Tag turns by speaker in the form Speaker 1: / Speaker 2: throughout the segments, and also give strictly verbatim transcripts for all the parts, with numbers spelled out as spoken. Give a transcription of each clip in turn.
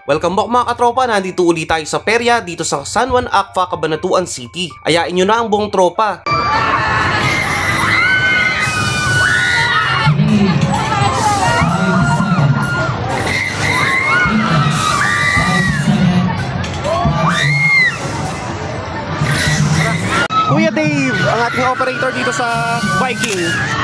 Speaker 1: Welcome back mga katropa, nandito ulit tayo sa perya dito sa San Juan Akfa, Cabanatuan City. Ayain nyo na ang buong tropa. Kuya Dave, ang ating operator dito sa Viking.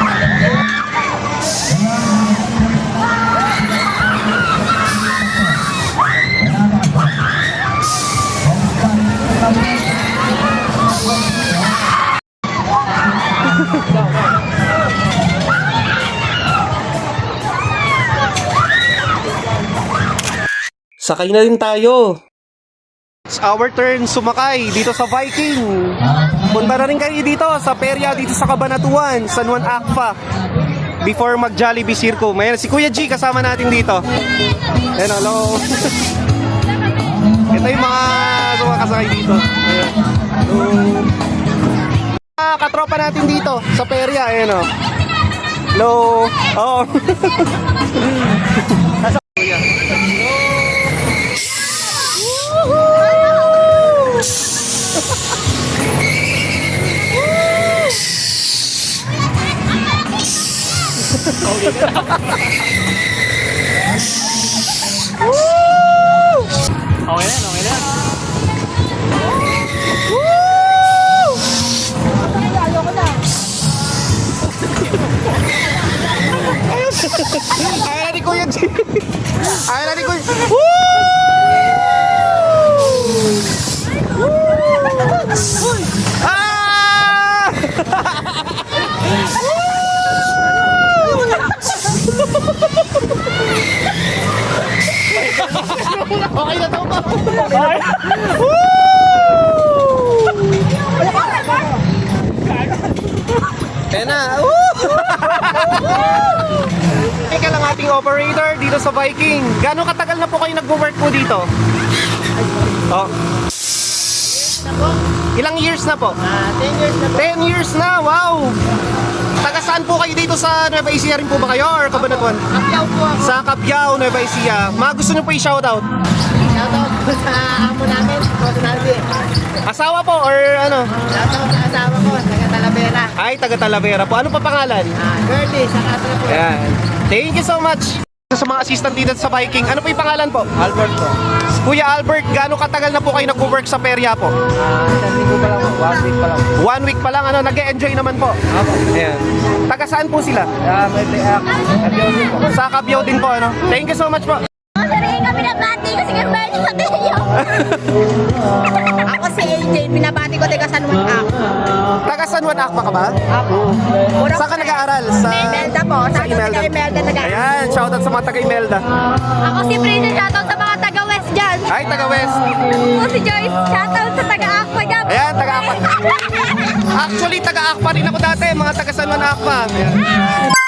Speaker 1: Sakay na rin tayo. It's our turn sumakay dito sa Viking. Punta na rin kayo dito sa perya dito sa Cabanatuan, San Juan Akfa. Before mag Jollibee Circo. May si Kuya G kasama natin dito. Ayan, hello. Ito yung mga sumakasakay dito. Ayan. Hello. Ah, katropa natin dito sa perya. Ayan o. Hello. Oh.
Speaker 2: Okay na, okay na.
Speaker 1: Ayaw na ni Kuya G. Ayaw na ni Kuya. Ah! Okay na daw ba? Kaya na. Ika lang ating operator dito sa Viking. Gano'ng katagal na po kayo nag-work po dito? Oh. Ilang years na po?
Speaker 2: Ah, ten years na po.
Speaker 1: ten years na, wow! Taga saan po kayo dito sa Nueva Ecija rin po ba kayo or Cabanatuan?
Speaker 2: Kapyaw po ako.
Speaker 1: Sa Cabiao, Nueva Ecija. Mga gusto nyo po i-shoutout?
Speaker 2: Shoutout po sa amo namin, Rosinaldi.
Speaker 1: Asawa po or ano?
Speaker 2: Shoutout sa asawa ko, taga Talavera.
Speaker 1: Ay, taga Talavera po. Ano pa pangalan?
Speaker 2: Ah, Girlie, sa Katra po.
Speaker 1: Ayan. Thank you so much. Sa mga assistant dito sa Viking, ano po yung pangalan po?
Speaker 2: Albert po.
Speaker 1: Kuya Albert, gaano katagal na po kayo nag-work sa perya po?
Speaker 2: Ah, isang linggo pa lang po, one week pa lang.
Speaker 1: One week pa lang, ano, nag-e-enjoy naman po.
Speaker 2: Ako.
Speaker 1: Ayan. Taga saan po sila?
Speaker 2: Ah, may react. Kapyaw din po.
Speaker 1: Sa Cabiao din po, ano? Thank you so much po.
Speaker 3: Sabihin ko, binabati ko si Carmel sa Telio. Ako si A J, binabati ko taga San Juan ako.
Speaker 1: Taga San Juan Akfa ka ba?
Speaker 3: Ako.
Speaker 1: Saan ka nag-aaral? Sa
Speaker 3: Imelda po.
Speaker 1: Sa
Speaker 3: Sa
Speaker 1: Imelda.
Speaker 3: taga Imelda nag
Speaker 1: Ayan, shoutout sa mga taga Imelda.
Speaker 3: Ako si Princess, shoutout sa mga taga West dyan.
Speaker 1: Ay, taga West.
Speaker 3: Ako si Joyce, shoutout sa taga Aqua dyan.
Speaker 1: Ayan, taga Akfa. Actually, taga Akfa rin ako dati, mga taga San Juan Akfa. Ayan.